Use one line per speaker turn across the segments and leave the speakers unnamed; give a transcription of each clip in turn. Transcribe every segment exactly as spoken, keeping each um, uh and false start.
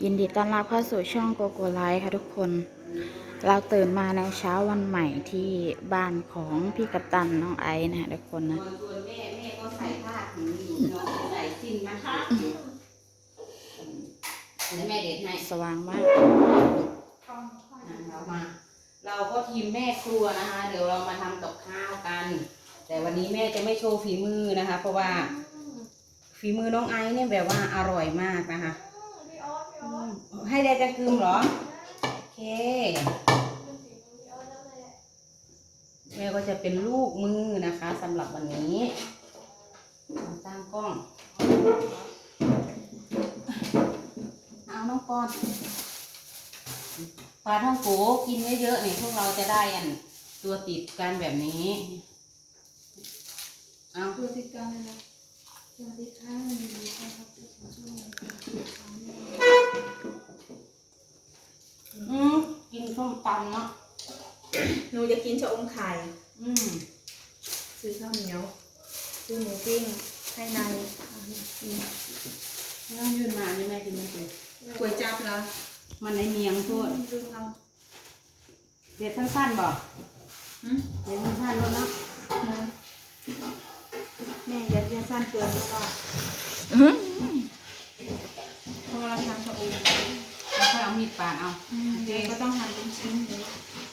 ยินดีต้อนรับเข้าสู่ช่องโกโกไลฟ์ค่ะทุกคน เราตื่นมาในเช้าวันใหม่ที่บ้านของพี่กัปตันน้องไอซ์นะคะทุกคนนะ
ส่วนแม่แม่ก็ใส่ผ้าถุงอยู่เนาะใส่สิ้นนะคะแล้วแม่เด็ดให้
สว่างมาก
เรามา เราก็ทีมแม่ครัวนะคะ เดี๋ยวเรามาทำกับข้าวกัน แต่วันนี้แม่จะไม่โชว์ฝีมือนะคะ เพราะว่าฝีมือน้องไอซ์เนี่ยแบบว่าอร่อยมากนะคะให้ได้จะกึมเหรอโอเคแม่ก็จะเป็นลูกมือนะคะสำหรับวันนี้ตั้งกล้องเอาน้องปอนปลาท่องโกกินเยอะๆเนี่ยพวกเราจะได้อันตัวติดกันแบบนี้เอา
ตัวติดกันเลยนะสวัสดีค่ะวันนี้นะครับช่วง
อืมกินส้มตำเนาะ
หนูจะกินชะอมไข่
อืม
ซื้อข้าวเหนียวซื้อหมูปิ้งให้นายกิน
ไม่ต้องยืนมานี่แม่กินไม่เป็น
ก๋วยจั๊บเหรอ
มันในเมียงพูด
ลืมเอา
เด็ดสั้นๆบอกเด็ดสั้นๆแล้วเนาะ
นะแม่ยัดยัดสั้นเกินหรือเปล่าเพราะเราทำชะอม
แล้วค่อยเอามีดปาดเอา
เด็กก็ต้องหั่นเป็นชิ้นเลย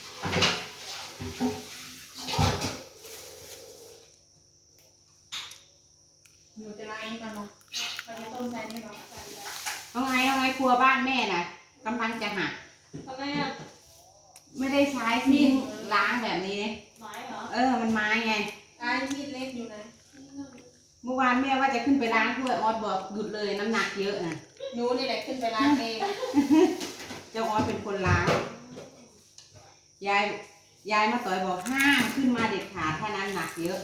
หนูจะล้างก่อนนะตอนนี้ต้มใส่นี่หรอ
น้องไงน้องไงครัวบ้านแม่น่ะกำลังจะหัก
ทำไมอ่ะ
ไม่ได้ใช้ทิ้งล้างแบบนี้
ไม้เหรอ
เออมันไม้ไง
ไอ้มีดเล็กอยู่ไหน
เมื่อวานแม่ว่าจะขึ้นไปล้างถ้วยออสบอกหยุดเลยน้ำหนักเยอะนะ
หนูนี่แหละขึ้นไปล้างเอง
เจ้าออสเป็นคนล้างยายยายมาต่อยบอกห้ามขึ้นมาเด็ดขาดถ้าน้ำหนักเยอะ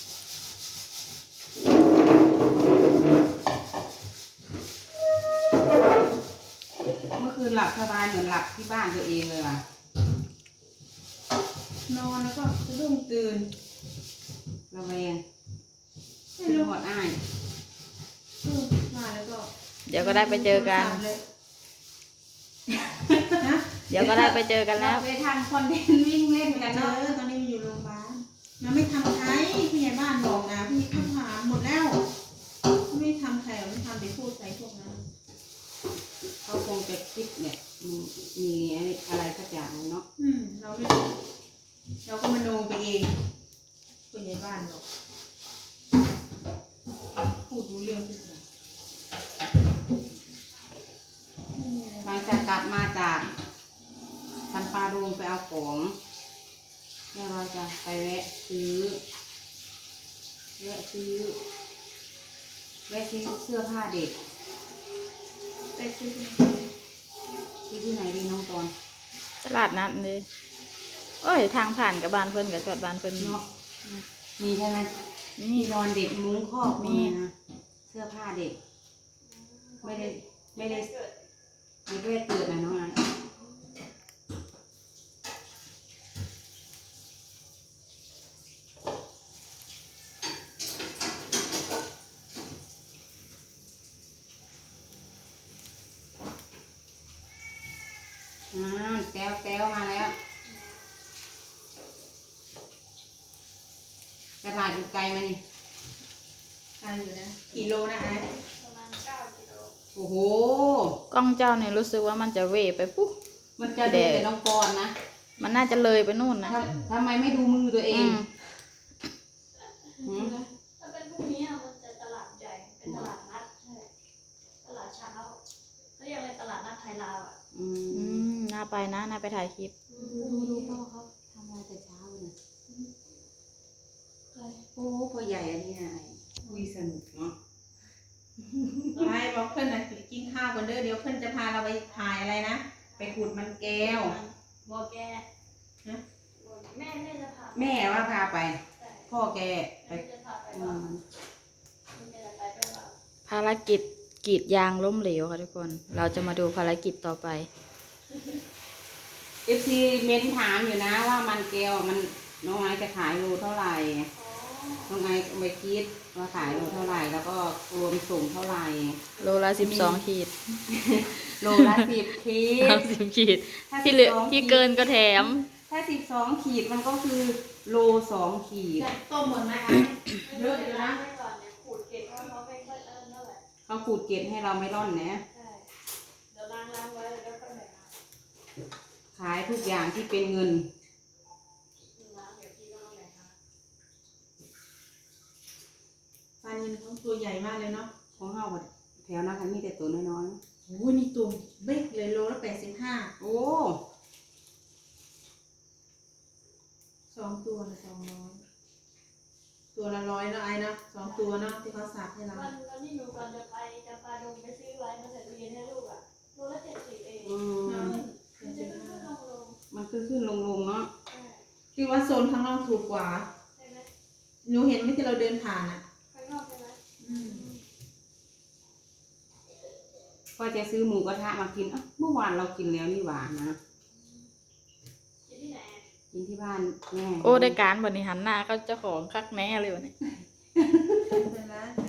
เมื่อคืนหลับสบายเหมือนหลับที่บ้านตัวเองเลยว่ะ
นอนแล้วก็สะดุ้งตื่น
ระแวง
ไม่
เป็น
รู้
หมดอ้าย
อืมมาแล้วก็
เดี๋ยวก็ได้ไปเจอกัน
ฮะ
เดี๋ยวก็ได้ไปเจอกันแล้ว
เราไปทำคอนเทนต์วิ่งเล่นกัน
เอ
เนาะ
อตอนนี้มันอยู่โรงพยาบาลมันไม่ทำใครผู้ใหญ่บ้านบอกนะพี่ข้าวหามหมดแล้วไม่ทำใครหรอกไม่ทำไปพูดใส่พวกนั้น
เขาคงจะคิดเนี่ยมีมีอะไรสักอย่างเนาะ
อืมเราไม่เราก็มโนไปเองผู้ใหญ่บ้านบอกพูดรู้เรื่องทุกอย่าง
หลังจากกลับมาจากสันปารูงไปเอาของเนี่ยเราจะไปแวะซื้อแวะซื้อแวะซื้อเสื้อผ้าเด็ก
ไปซื้อ
ซื้อที่ไหนดีน้องตอน
ตลาดนัดเลยโอ้ยทางผ่านกับบ้านเพิ่นกับจอดบ้านเพิ่น
เนาะมีใช่ไหม
นี่
มีนอนเด็กมุ้งครอบ
มี
มีนะเสื้อผ้าเด็ก ไม่ได้ไม่ได้ไม่ได้ตื่นนะน้องนะอ่าแต้วแต้วมาแล้วกระถางอยู่ไกลมานี่
ทานอยู่นะกี่โลนะไอ้
โอ้โห
กล้องเจ้าเนี่ยรู้สึกว่ามันจะเวไปปุ๊บ
มันจะดูแต่น้องปอนนะ
มันน่าจะเลยไปนู่นนะ
ทำทำไมไม่ดูมือตัวเอ
อื
ง
ม
หืม
ถ้าเป็นพวกนี้อะมันจะตลาดใหญ่ เป็นตลาดนัดใช่ตลาดเช้าเขาเรียกอะไรตลาดนัดไทยลาวอ่ะ
อื
อื
ม
มน่าไปนะน่าไปถ่ายคลิป
ดูดูดูพ่อเขาทำอะไรแต่เช้าเนี่ยโอ้พ่อใหญ่อันนี้นะคุยสนุกเนาะ
ไอ้บอกเพื่อนนะกินข้าวกันเด้อเดี๋ยวเพื่อนจะพาเราไปถ่ายอะไรนะไปขุดมันแก้ว
บอกแก
ฮะ
แม่แม่จะพา
แม่ว่าพาไป
ใช่
พ่อแกไป
แม่จะพาไป
อื
ว่าม แม่จะไปด้วยเปล่า
ภารกิจกรีดยางล้มเหลวค่ะทุกคน เราจะมาดูภารกิจต่อไป
เอฟซีเม้นถามอยู่นะว่ามันแก้วมันน้องไม้จะขายโลเท่าไหร่
อ๋อ
น้องไอซ์เอาไปคิดว่าขายโลเท่าไหร่แล้วก็รวมส่งเท่าไหร่
โลละสิบสองขีด
โลละสิบขีด
สามสิบขีด
ถ้า
ที่เหลือ
สิบสอง
ที่เกินก็แถม
ถ้าสิบสองขีดมันก็คือโลสองขีด
ต้มหมดไหมคะ
เยอะอยู่นะไม่ก่อนเนี่ยขูดเกล็ดเพราะเขาไม่ค่อยเอิ้นเท่าไหร่
เขาขูดเกล็ดให้เราไม่ร่อนนะ
ใช่เดี๋ยวล้างล้างไว้แล้วก็แบ่งเอา
ขายทุกอย่างที่เป็นเงิน
ล้างเดี๋ยวพี่ก็ต้องแบ่งเอา
ปลานิลเขาตัวใหญ่มากเลยเนาะ
ของเฮาก็แถวนั้นค่ะมีแต่ตัวน้อย
โอ้ยนี่ตัวเบ๊กเลยโลละแปดสิบห้า
ๆ โอ้
สองตัวละสองร้อยตัวละร้อยเนาะไอ้เนาะสองตัวเนาะที่เขาสับให้เรา
วันวันที่หนูก่อนจะไปจะปาดงไปซื้อไว้มาใส่ตู้เย็นให้ลูกอ่ะโลละเจ็ดสิบเอง
อืม
มันจะขึ้นขึ้นลงลง
มันคือขึ้นลงลงๆเนาะ
ใช่
คือว่าโซนข้างนอกถูกกว่า
ใช่ไหม
หนูเห็นไหมที่เราเดินผ่านอ่ะ
ข้างนอกใช่ไหม
อืม
ก็จะซื้อหมูกระทะมากินอ่ะเมื่อวานเรากินแล้วนี่หว่านะ
ที่ที่ไหน
กินที่บ้านแม่
โอ้ได้การบริหารหน้าก็เจ้าของคักแน่เลยวันนี้
เป็นไร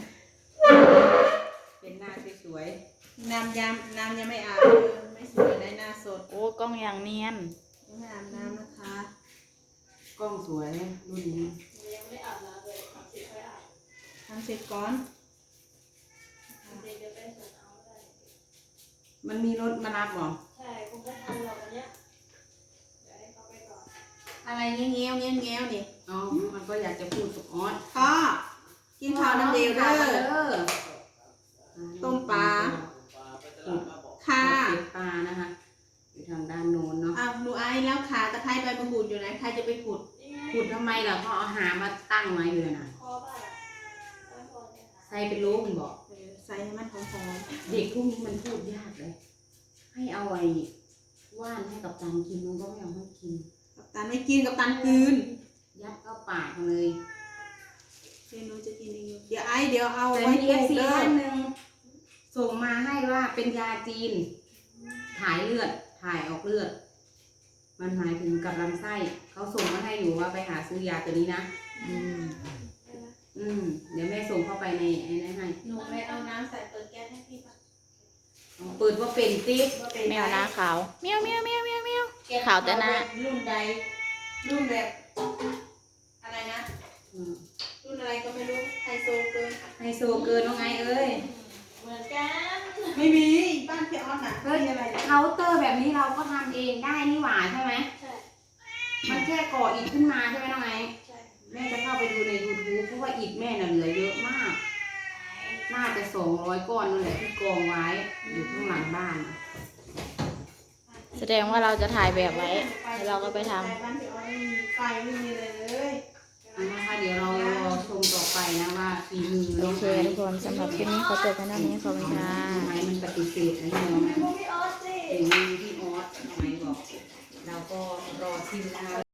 เป็นหน้าสวย
น้ำยำน้ำยังไม่อาบเลยไม่สวยได้หน้าสด
โอ้กล้องอย่างเนียน
ยังไม่อาบน้ำนะคะ
ๆกล้องสวยรุ่นนี้
หนูยังไม่ได้อาบน้ำเลยสามสิบค่อยอาบ
ทำเสร็จก่อน
เด็กเดี๋ยวไปส่งเอาได้
มันมีรถมารับเหรอ
ใช่คงไม่ทันหรอกวันเนี้ยเดี๋ยวให้เขาไปก่อน
อะไรเงี้ยวเงี้ยวเงี้ยวเงี้ยวนี่
อ๋อมันก็อยากจะพูดกับออส
พ่อกินข้าวน้ำเดียวเด้อ ต้มปลา ค่ะ
เก็บปลานะคะอยู่ทางด้านโน้นเนาะ
อ้าวหนูไอ้แล้วขาตะไคร้ใบมะกรูดอยู่ไหนใครจะไปขุด
นี่ไง
ขุดทำไมล่ะเขาเอาหามาตั้งไว้อยู่น่ะ
คอบ้านอ่ะบ้านคอเนี่ยค่ะ
ใส่เป็นโลมันบอก
เออใส่ให้มันหอม
เด็กพวกนี้มันพูดยากเลย ให้เอาไอ้ว่านให้กับตันกินมันก็ไม่เอาให้กิน
ๆกับตันไม่กินกับตันคืน
ยัดเข้าปากมันเลย
เดี๋ยวหนูจะกินเองอยู่เดี๋ยวไอ้เดี๋ยวเอา
แต่
ไว้
มี
ป
เอ
ลู
ฟ
ก
ซี
เด้อ
ท่านหนึ่งส่งมาให้ว่าเป็นยาจีน ถ่ายเลือด ถ่ายออกเลือด มันหมายถึงกับลำไส้ เขาส่งมาให้อยู่ว่าไปหาซื้อยาตัวนี้นะ
อืม
ใช่ไหม
อืม เดี๋ยวแม่ส่งเข้าไปในไอ้นั่นให้
หนูไปเอาน้ำใส่เปิดแก๊สให้พี่ปะ
เปิดว่าเป็นติ๊บ
ว่าเป็น
แมวหน้าขาวเมียวเมียวเมียวเมียวเมียว
แก๊ส
ขาวแต่หน้า
รุ่นใดรุ่นแบบอะไรนะ
อืม
รุ่นอะไรก็ไม่รู้ไฮโซเกิน
ไฮโซเกินน้องไงเอ้ย
เหมือนกัน
ไม่มีบ้านพี่ออสน่ะ
เฮ้ย
มีอะไรนะ
เคาน์เตอร์แบบนี้เราก็ทำเองได้นี่หว่าใช่ไหม
ใช่
มันแค่ก่ออิฐขึ้นมาใช่ไหมน้องไง
ใช่
แม่จะเข้าไปดูใน YouTube เพราะว่าอิฐแม่น่ะเหลือเยอะมาก น่าจะสองร้อยก้อนนั่นแหละที่กองไว้อยู่ข้างหลังบ้านน่ะ
แสดงว่าเราจะถ่ายแบบไว้แล้วเราก็ไปทำ
บ้านพี่ออสไม่มีไฟไม่มีอะไรเลย
อันนะคะเดี๋ยวเรารอชมต่อไปนะว่าฝีมือ
โอ
น้อง
เค
ไอ
ทุกคนสำหรับคลิปนี้ขอจบไปเท่านี้ขอบคุณค่ะ
น้องไอมันปฏิเสธนะน้อง
ไม่พวกพี่ออสสิ
ฝีมือพี่ออสน้องไอบอก เราก็รอชิมนะคะ